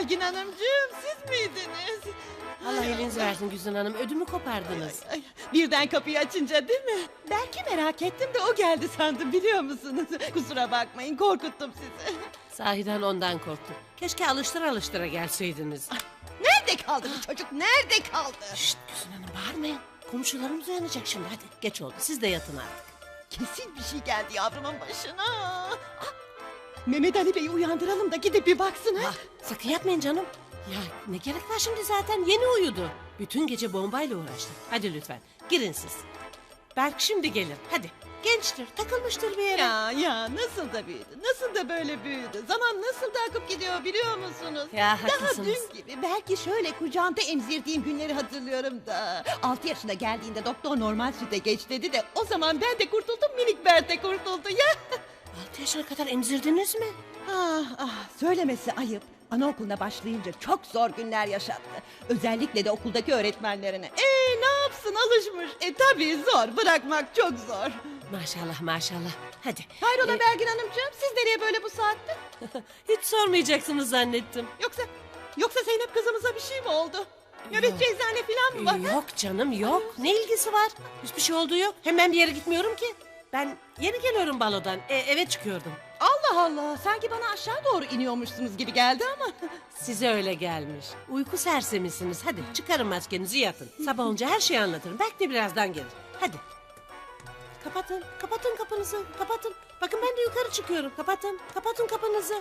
Belgin Hanımcığım, siz miydiniz? Allah elinizi versin Güzin Hanım, ödümü kopardınız. Ay, birden kapıyı açınca değil mi? Belki merak ettim de o geldi sandım, biliyor musunuz? Kusura bakmayın, korkuttum sizi. Sahiden ondan korktum. Keşke alıştıra gelseydiniz. Nerede kaldı bu çocuk? Nerede kaldı? Şşt Güzin Hanım, bağırmayın. Komşularımız uyanacak şimdi, hadi geç oldu, siz de yatın artık. Kesin bir şey geldi yavrumun başına. Ah, Mehmet Ali Bey'i uyandıralım da gidip bir baksın ha. Sakın yapmayın canım. Ya ne gerek var şimdi, zaten yeni uyudu. Bütün gece bombayla uğraştık. Hadi lütfen girin siz. Berk şimdi gelir, hadi. Gençtir, takılmıştır bir yere. Ya nasıl da büyüdü, nasıl da böyle büyüdü. Zaman nasıl da akıp gidiyor biliyor musunuz? Ya, Daha haklısınız. dün gibi belki şöyle kucağında emzirdiğim günleri hatırlıyorum da. 6 yaşına geldiğinde doktor normal süte geç dedi de o zaman ben de kurtuldum, minik Bert de kurtuldu ya. 6 yaşına kadar emzirdiniz mi? Söylemesi ayıp. Anaokuluna başlayınca çok zor günler yaşattı. Özellikle de okuldaki öğretmenlerine. Ne yapsın, alışmış. Tabii zor, bırakmak çok zor. Maşallah maşallah. Hadi. Hayrola Belgin Hanımcığım, siz nereye böyle bu saatte? Hiç sormayacaksınız zannettim. Yoksa Zeynep kızımıza bir şey mi oldu? Nöbetçi eczane falan mı var? Yok canım yok. Ne ilgisi var? Hiçbir şey olduğu yok. Hemen bir yere gitmiyorum ki. Ben yeni geliyorum balodan. Eve çıkıyordum. Allah Allah, sanki bana aşağı doğru iniyormuşsunuz gibi geldi ama. Size öyle gelmiş. Uyku sersemisiniz. Hadi çıkarın maskenizi, yatın. Sabah olunca her şeyi anlatırım. Belki de birazdan gelir. Hadi. Kapatın kapınızı. Kapatın. Bakın ben de yukarı çıkıyorum. Kapatın kapınızı.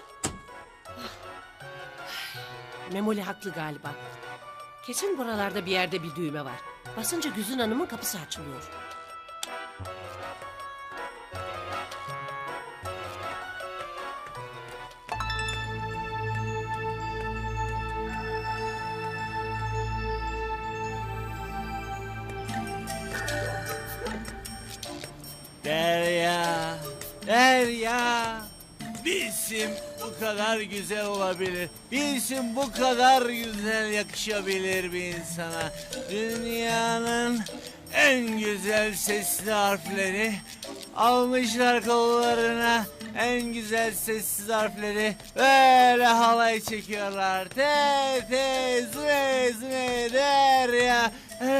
Memoli haklı galiba. Kesin buralarda bir yerde bir düğme var. Basınca Güzin Hanım'ın kapısı açılıyor. Derya, Derya. Bir isim bu kadar güzel olabilir. Bir isim bu kadar güzel yakışabilir bir insana. Dünyanın en güzel sesli harfleri almışlar kollarına. En güzel sessiz harfleri böyle halay çekiyorlar. Te te zve zve Derya.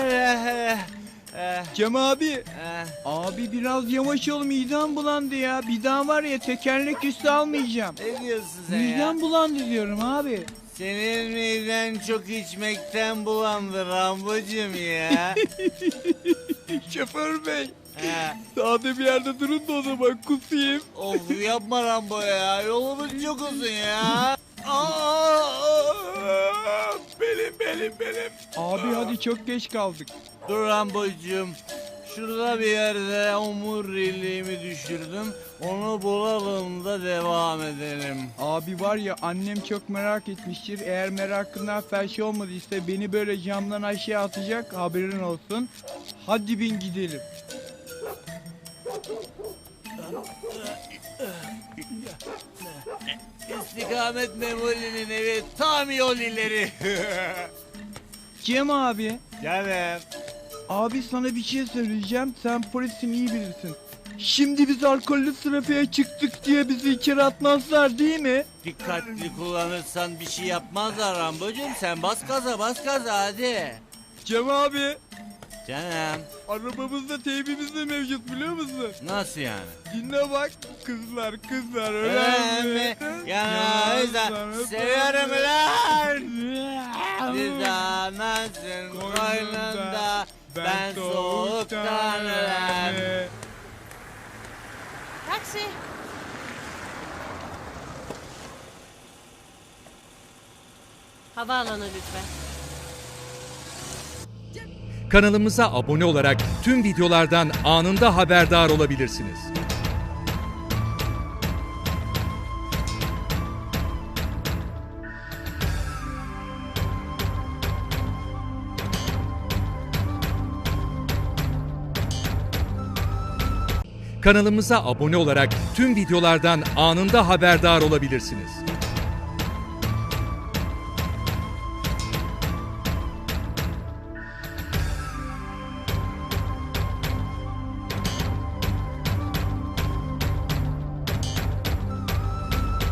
Cem abi. Eh. Abi biraz yavaş ol, midem bulandı ya. Bir daha var ya, tekerlek üstü almayacağım. Ne diyorsun sen ya? Midem bulandı diyorum abi. Senin miden çok içmekten bulandı Rambocuğum ya. Şoför bey. He. Sağda bir yerde durun da o zaman kusayım. Of yapma Rambo ya. Yolumuz çok uzun ya. Benim. Abi hadi çok geç kaldık. Dur Rambocuğum. Şurada bir yerde omuriliğimi düşürdüm. Onu bulalım da devam edelim. Abi var ya, annem çok merak etmiştir. Eğer merakından felç olmadıysa beni böyle camdan aşağı atacak, haberin olsun. Hadi bin gidelim. İstikamet Memoli'nin evi tam yol ileri. Cem abi. Canım. Abi sana bir şey söyleyeceğim. Sen polisin, iyi bilirsin. Şimdi biz alkollü trafiğe çıktık diye bizi içeri atmazlar değil mi? Dikkatli kullanırsan bir şey yapmazlar Rambocuğum. Sen bas gaza hadi. Cem abi. Canım. Arabamızda teybimiz de mevcut, biliyor musun? Nasıl yani? Dinle bak. Kızlar öyle mi? Ya Özlem seviyorum lan. Biz anasın koynunda, ben soğuktan ölen. Taksi. Havaalanı lütfen. Kanalımıza abone olarak tüm videolardan anında haberdar olabilirsiniz. Kanalımıza abone olarak tüm videolardan anında haberdar olabilirsiniz.